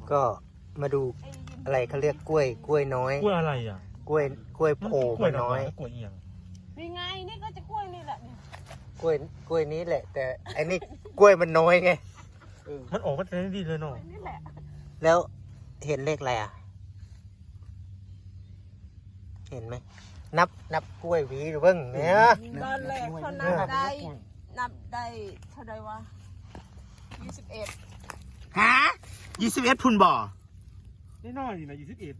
ก็มาดูอะไรเขาเรียกกล้วยน้อยกล้วยอะไรอ่ะกล้วยโผล่มาน้อยกล้วยเอียงนี่ไงนี่ก็จะกล้วยนี่แหละเนี่ยกล้วยนี้แหละ แต่อันนี้กล้วยมันน้อยไงมันออกมาแต่ดีเลยเนาะนี่แหละแล้วเห็นเลขอะไรอ่ะ เห็นไหมนับกล้วยหวีหรือเบิ้งเนี่ยตอนแรกเขานับได้เท่าไรวะ21 ฮะ21พุ่นบ่นี่น้อยนี่นะ21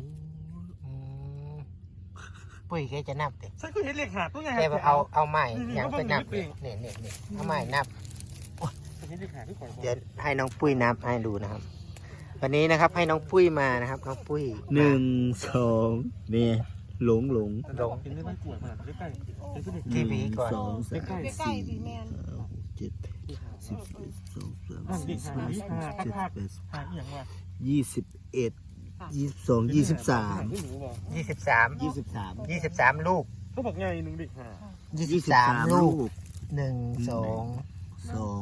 ปุ้ยแกจะนับดิฉันก็เห็นเลขหาตัวไงแกเอาไม้ยังไปนับเลยนี่เอาไม้นับเห็นเลขหาที่ก่อนเดี๋ยวให้น้องปุ้ยนับให้ดูนะครับ วันนี้นะครับให้น้องปุ้ยมานะครับน้องปุ้ย 1 2นี่หลงเป็นเรื่องไม่กลัวมากใกล้ๆเป็นทีวีก่อน 2 3 ใกล้ๆสิแมน 7 10 นั่นดิหาที่หา 11 หา 12 หาเอียงว่ะ 22 23 23ลูกเขาบอกไงหนึ่งเด็กหา 23ลูก1 2 2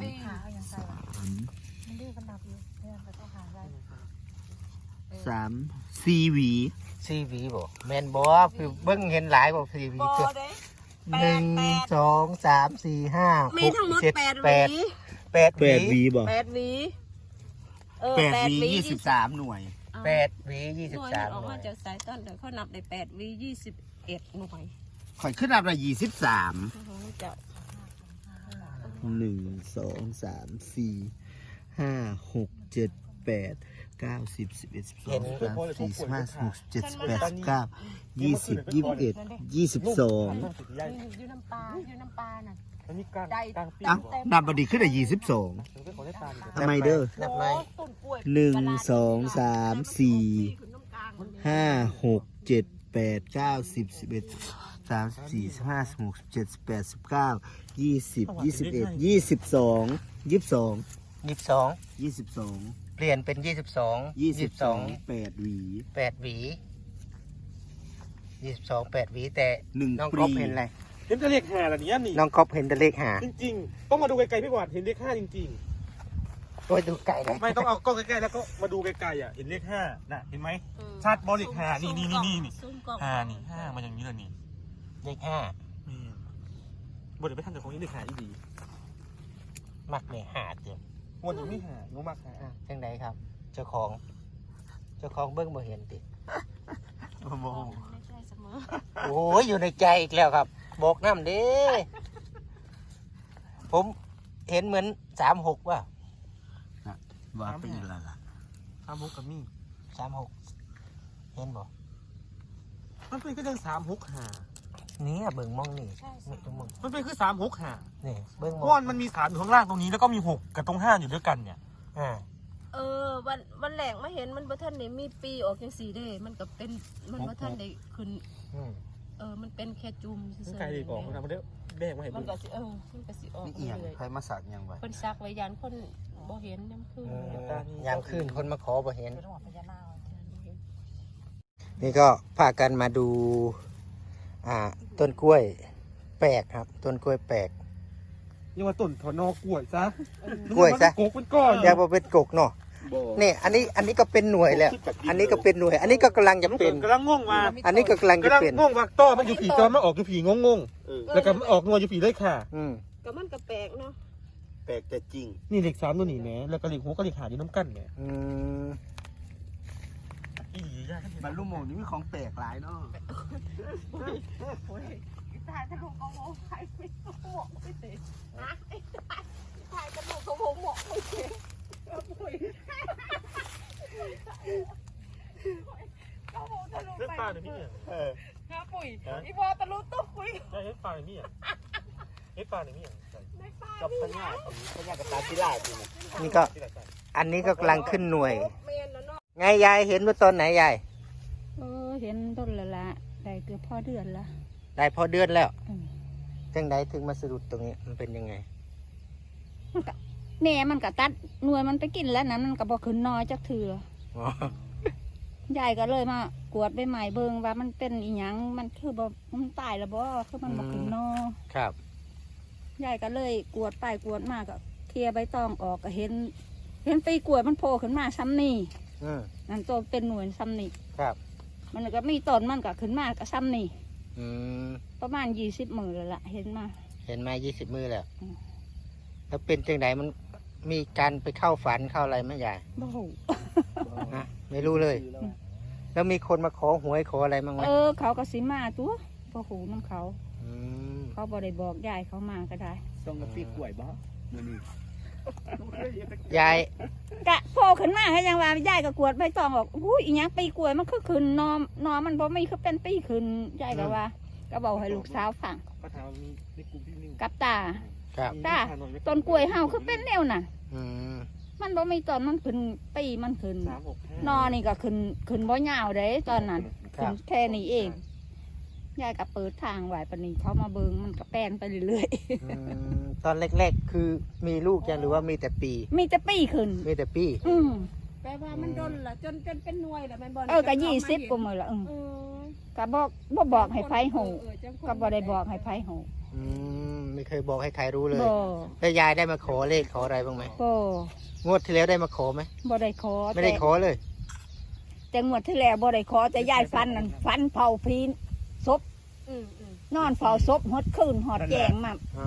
3 4หวี 4หวีบ่แม่นบ่คือเบิ่งเห็นหลายบ่4หวีบอเกือบเด้ 1 2 3 4 5 มีทั้งหมด 6 8 7 หวี 8 8หวีบ่ 8 หวี 8หวี23หน่วย 8หวีหน่วย 23 ออกหน่มาวยจากสายต้นเดี๋ยวเขานับได้8 หวี21หน่วยข่อยขึ้นอันละ23 จะ 1 2 3 4 5 6 7 8 9 10 11 12 13 14 15 16 17 18 19 20 21 22 อยู่น้ำปลาน่ะมันมีกลางปีอ่ะนับบดีขึ้นได้22 มันก็ขอได้ตามทำไมเด้อนับไหมต้นกล้วย 1 2 3 4 5 6 7 8 9 10 11 34 15 16 17 18 19 20 21 22 22 22เปลี่ยนเป็น22 8หวี 8หวี22 8หวีแต่ 1 น้องปก๊อฟรีเห็นอะไรเห็นแต่เลขหาละเนี่ยนี่น้องก๊อฟเห็นแต่เลขหาจริงๆต้องมาดูไกลๆพี่กวาดเห็นเลข5จริงโอ้ยดูไก่เลยๆไม่ต้องเอากล้องใกล้ๆแล้วก็มาดูไกลๆอ่ะเห็นเลข5น่ะเห็นไหมชัดบอลเลข5นี่5นี่5มาอย่างนี้เลยนี่เลข5 นี่บทเดี๋ยวไปทำจากของนี้เลข5อีดีมักเลยหาเต็มวนอยู่ไม่หางูมากหาจังไดครับ เจ้าของเบิ้งบ่เห็นติไม่ใช่เสมอโอ้ยอยู่ในใจอีกแล้วครับ บอกน้ำเด้ผมเห็นเหมือน36ว่ะว่าไปอีกแล้วล่ะ 3 6กับมี่ 36เห็นบ่มันเป็นก็เรื่อง3 6หานี่เบิ่งมองนี่นี่ตรงมึงมันเป็นคือ3 6หานี่เบิ่งมเพองราะมันมี3อยู่ข้างล่างตรงนี้แล้วก็มี6กับตรง5อยู่ด้วยกันเนี่ยวันแหลกมาเห็นมันบ่ทันได้มีปีออกจังสีเด้มันก็เป็นมันบ่ทันได้ขึ้นอืมมันเป็นแค่จุ่มซื่อๆไกลดีกว่ามันได้แบกมาให้มัดูนก็สิมันก็สิออกนี่เอียงเลยใครมาสักยังไว้เพิ่นซักไว้ยานคนบ่เห็นน้ำคืนยามคืนคนมาขอบ่เห็น นี่ก็พากันมาดู ต้นกล้วยแปลกครับ ต้นกล้วยแปลกยังว่าต้นถอนอกล้วยซะกล้วยซะกกเป็นก้อนเรียกว่าเป็นกกเนาะนี่อันนี้ก็เป็นหน่วยแล้ว อันนี้ก็เป็นหน่วย อันนี้ก็กำลังจะเป็นกำลังง่วงมาอันนี้ก็กำลังจะกำลังเป็นง่วงว่าต้อมันอยู่ผีต้อมันออกอยู่ผีงงๆแล้วก็มันออกงวอยู่ผีเลยค่ะอืมก็มันก็แปลกเนาะแปลกแต่จริงนี่เลข3ตัวนี้แหมแล้วก็เลข6ก็เลข5อยู่น้ำกันแหมอืมอีหลียากบรรลุโมงนี่มีของแปลกหลายเนาะถ่ายตลกเขาโมถ่ายไม่หมอกไม่เตะนะถ่ายตลกเขาหมอกไม่เตะเขาโมตะลุเล่นไปปลาหรือพี่เนี่ยฮะปุ๋ยอีพอตะลุตุ๊กปุ๋ยใช่เล่นปลาหรือพี่อ่ะเล่นปลาหรือพี่อ่ะไม่ป้ากับพญากับตาพิราบจริงนี่ก็ อันนี้ก็กำลังขึ้นหน่วยเมนแล้วเนาะไงยายเห็นว่าตอนไหนยายเห็นต้นละได้เกือบพอเดือนละได้พอเดือนแล้วอืมจังไดถึงมาสะดุดตรงนี้มันเป็นยังไงแหน่มันก็ตัดหน่วยมันไปกินแล้วนั้นมันก็บอกขึ้นน้อยจักเถื่ออ๋อยายก็เลยมากวดใบไม้เบิงว่ามันเป็นอีหยังมันคือบ่มันตายแล้วบ่คือมันบอกขึ้นนอครับยายก็เลยกวดไปกวดมาก็เคลียร์ใบตองออกก็เห็นปีกล้วยมันโผล่ขึ้นมาซ้ำนี่อืมนั่นตัวเป็นหน่วยซ้ำนี่ครับมันก็มีต้นมันก็ขึ้นมาก็ซ้ำนี่อืมประมาณ20 มื้อแล้วล่ะเห็นมาเห็นมา20 มือแล้วอืมแล้วเป็นจังไดมันมีการไปเข้าฝันเข้าอะไรไหมยายบ่ฮู้ฮะไม่รู้เลย แล้วมีคนมาขอหวยขออะไรบ้างไหมเขาก็สิมาตัวบ่ฮู้นำเขาอืมเขาบ่ได้บอกยายเขามาก็ได้ส่งกาแฟกล้วยบ่มื้อนี้ยายกะโผล่ขึ้นมาให้ยังว่ายายก็กวดใบตองออกอุ้ยอีหยังปีกล้วยมันคือขึ้นนอมันบ่มีคือเป็นปีขึ้นยายก็ว่า ก็บอกให้ลูกสาวฟังก็ถามมีในกลุ่มพี่นิวกับตาครับตาต้นกล้วยเฮาคือเป็นแนวน่ะอืมมันบ่มีต้นมันขึ้นปีมันขึ้น 365 นอนี่ก็ขึ้นบ่ยาวเด้ตอนนั้นครัขึ้บนแค่นี้เองยายก็เปิดทางไว้ปานนี้เขามาเบิ่งมันก็แป้นไปเรื่อยอืมตอนแรกๆคือมีลูกยังหรือว่ามีแต่ปีๆ มีแต่ปีขึ้นมีแต่ปีอืมแปลว่ามันดนล่ะจนเป็นหน่วยแล้วแม่นบ่ก็20กว่ามื้อละเออก็บอกให้ไผฮู้จังคนก็บ่ได้บอกให้ไผฮู้อืมไม่เคยบอกให้ใครรู้เลยบ่แล้วยายได้มาขอเลขขออะไรบ้างไหมบ่งวดที่แล้วได้มาขอไหมบ่ได้ขอไม่ได้ขอเลยแต่งวดที่แล้วบ่ได้ขอแต่ยายฟันนั่นฟันเผาพีนศพอืมนอนเฝ้าศพหดคืนหอดแจงมาอ๋อ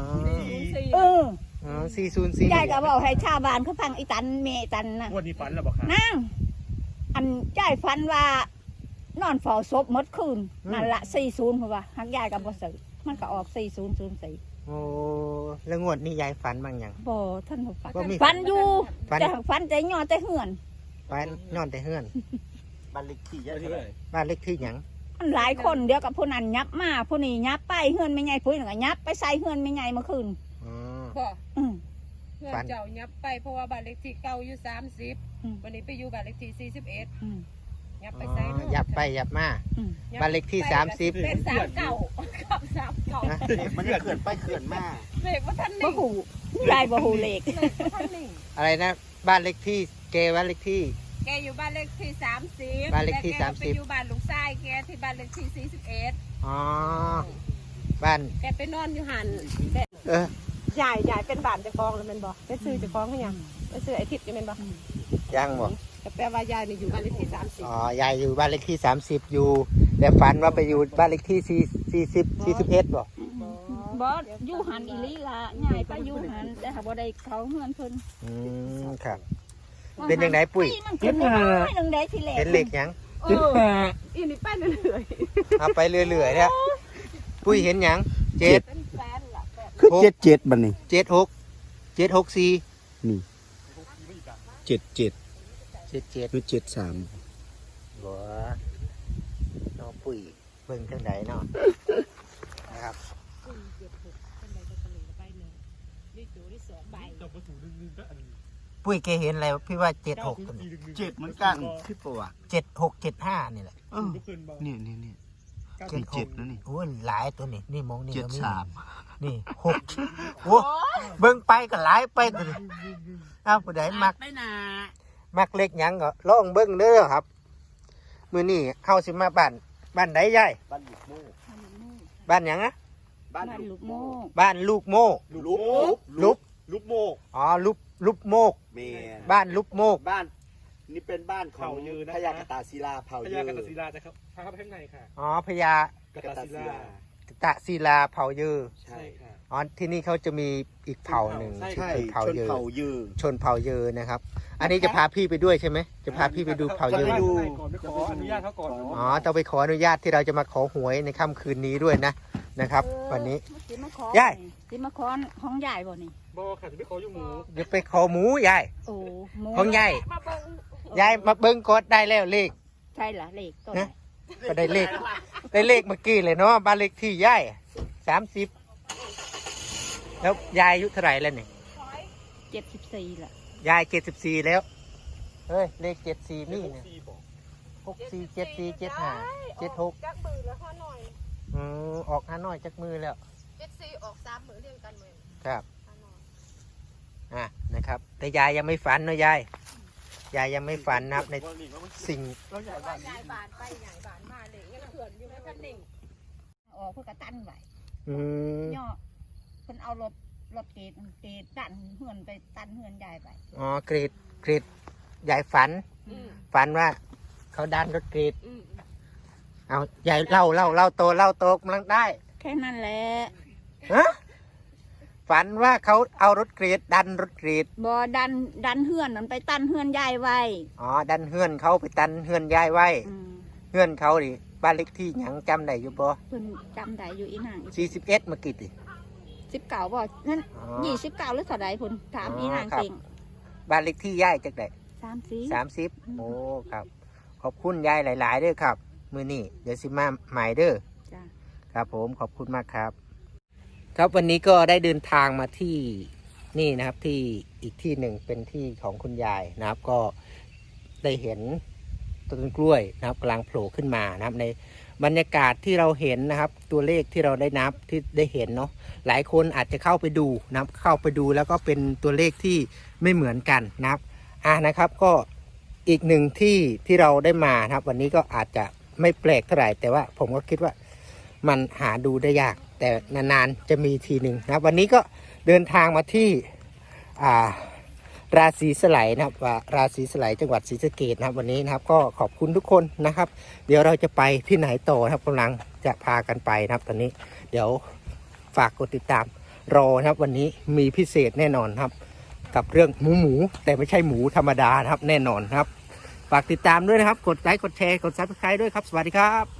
04 เอออ๋อ404 ยายก็บอกให้ชาวบ้านเขาฟังอีตันเมตันนะวันนี้ฝันแล้วบอกค่ะนางอันยายฟันว่านอนเฝ้าศพหมดคืนนั่นละ40เพราะว่าหักยายก็บ่ซื้อมันก็ออก4004 โอ้แล้วงวดนี้ยายฝันบ้างยังบ่ท่านบ่ฟันบ่มีฟันอยู่ฝันแต่ฟันแต่ย่อแต่เหือนฝันนอนแต่เฮือนบ้านเลขที่ยายวันเท่านี้ไหเลร่ยบ้านเลขที่หยังมันหลายคนเดียวกับผู้นั้นยับมาผู้นี้ยับไปเหือนไม่ใหญ่ผู้นี้ก็ยับไปใส่เหือนไม่ใหญ่เมื่อคืนอ๋อบ่อืมเพื่อนเจ้ายับไปเพราะว่าบ้านเลขที่เก่าอยู่30วันนี้ไปอยู่บ้านเลขที่41 อืมยับอ๋ไปใส่อยับไปยับมาอืมบ้านเลขที่30 เป็น39กับ39 นะมันจะเขื่อนไปเขื่อนมาเลขว่าท่านบ่นิ่งหูยายบ่หูเลขเลขว่าท่านนิ่งอะไรนะบ้านเลขที่เกบ้านเลขที่แกอยู่บ้านเลขที่30 บ้านเลขที่แต่แกไป 30 อยู่บ้านลุงชายแกที่บ้านเลขที่41 อ๋อบ้านแกไปนอนอยู่หันเออใหญ่เป็นบ้านเจ้าของแล้วแม่นบ่ไปซื้อเจ้าของคือหยังไปซื้อไอ้ทิพย์อยู่แม่นบ่ยังบ่แต่แปลว่ายายนี่อยู่บ้านเลขที่30 อ๋อยายอยู่บ้านเลขที่30อยู่ แต่ฝันว่าไปอยู่บ้านเลขที่41บ่บอสอยู่หันอีหลีละยายไปอยู่หันแต่หาบ่ได้เขาเฮือนเพิ่นอืมครับ เป็นจังไดปุ้ยมันเป็นน้อยนึงได้ทีแรกเห็นเลขหยังอีนี่ไปเรื่อยเอาไปเรื่อยๆเนี่ยปุ้ยเห็นหยัง7 ๆเป็นแฟนล่ะแบบคือ77บัดนี้ 76 764 นี่77 77 หรือ73 บ่น้องปุ้ยเบิ่งทางใดเนาะนะครับเจ้าประตูนึงก็อันปุ้ยแกเห็นอะไรพี่ว่า76ตัวนี้ 7เหมือนกันที่ประวัติ 76 75นี่แหละเออนี่นี่77นะนี่โอ้ยหลายตัวนี่นี่มองนี่ก็มี 73 นี่6โอ้เบิ่งไปก็หลายไปตัวนี้เอาผู้ใดมักไปหนามักเล็กหยังก็ลองเบิ่งเด้อครับมื้อนี้เฮาสิมาบ้านใดยายบ้านลูกโม่บ้านหยังอะบ้านบ้านลูลูกกโม่บ้านลูกโมกลุบลุบลูกโมกอ๋อลุบโมกแม่บ้านลุบโมกบ้านนี่เป็นบ้านของพญากตาศิลาเผ่าพยืญากตศิลาจะครับพาเข้าไปข้างในค่ะอ๋อพญากตศิลาตะศิลาเผ่าเยอใช่ใช่ค่ะอ๋อที่นี่เขาจะมีอีกเผ่าหนึ่งใช่ชื่อใช่เผ่าชนเยอเผ่ายืนชนเผ่าเยอนะครับ อันนี้จะพาพี่ไปด้วยใช่ไหมจะพาพี่ไปดูเผ่าเยอจะไปดูก่อนไปขออนุญาตเขาก่อนอ๋อต้องไปขออนุญาตที่เราจะมาขอหวยในค่ำคืนนี้ด้วยนะครับ วันนี้สิมาขอยายสิมาขอของยายบ่นี่บอค่ะจะไม่ขออยู่หมูเดี๋ยวไปขอหมูยายโอ้หมูของยายมาเบิ่งยายมาเบิ้งกดได้แล้วเลขใช่ล่ะเลขต้นนะ ก็ได้เลขเมื่อกี้เลยเนาะบ้านเลขที่ยาย30แล้วยายอายุเท่าไหร่แล้วนี่ 74ล่ะยาย74แล้วเฮ้ยเลข74นี่เนี่ยซีบอก 647475 76 จักมือแล้วข้อหน่อยออก5น้อยจักมือแล้ว 74ออก3มือเรียงกันเหมือนครับข้อหน่อยนะครับ แต่ยายยังไม่ฝันเนาะยายยังไม่ฝันนะครับในสิ่งยายบานไปใหญ่บานมาเลยยังเขื่อนอยู่ในท่านนิ่งออกเพิ่นก็ตั้นไว้อืมย่อเพิ่นเอารถเกตดันเฮือนไปตันเฮือนยายไปอ๋อกรีดยายฝันฝันว่าเขาดันรถกรีดอืมเอาใหญ่เล่าโตกำลังได้แค่นั้นแหละฮะฝันว่าเขาเอารถกรีดดันรถกรีดบ่ดันเฮือนมันไปตั้นเฮือนยายไว้อ๋อดันเฮือนเขาไปตันเฮือนยายไว้อืมเฮือนเขาดิบ้านเล็กที่หยังจำได้อยู่บ่เพิ่นจำได้อยู่อีนาง 41เมื่อกี้ติ 19บ่นั่นอ๋อ 29หรือเท่าใดพุ่นถามอีนางครับเก่งบ้านเล็กที่ยายจักได้ 30 30โอ้ครับ ขอบคุณยายหลายๆเด้อครับ มื้อนี้เดี๋ยวสิมาใหม่เด้อจ้ะครับผมขอบคุณมากครับ ครับวันนี้ก็ได้เดินทางมาที่นี่นะครับที่อีกที่หนึ่งเป็นที่ของคุณยายนะครับ ก็ได้เห็นต้นกล้วยนะครับกำลังโผล่ขึ้นมานะครับ ในบรรยากาศที่เราเห็นนะครับ ตัวเลขที่เราได้นับที่ได้เห็นเนาะหลายคนอาจจะเข้าไปดูนะครับ เข้าไปดูแล้วก็เป็นตัวเลขที่ไม่เหมือนกันนะครับนะครับ ก็อีกหนึ่งที่เราได้มานะครับ วันนี้ก็อาจจะไม่แปลกเท่าไหร่แต่ว่าผมก็คิดว่ามันหาดูได้ยาก แต่นานๆจะมีทีหนึ่งนะครับ วันนี้ก็เดินทางมาที่ราศีสไลนะครับว่าราศีสไลจังหวัดศรีสะเกษนะครับวันนี้นะครับ ก็ขอบคุณทุกคนนะครับ เดี๋ยวเราจะไปที่ไหนต่อนะครับกำลังจะพากันไปนะครับ ตอนนี้เดี๋ยวฝากกดติดตามรอนะครับ วันนี้มีพิเศษแน่นอนครับ กับเรื่องหมูแต่ไม่ใช่หมูธรรมดานะครับ แน่นอนครับฝากติดตามด้วยนะครับกดไลค์กดแชร์กด Subscribe ด้วยครับสวัสดีครับ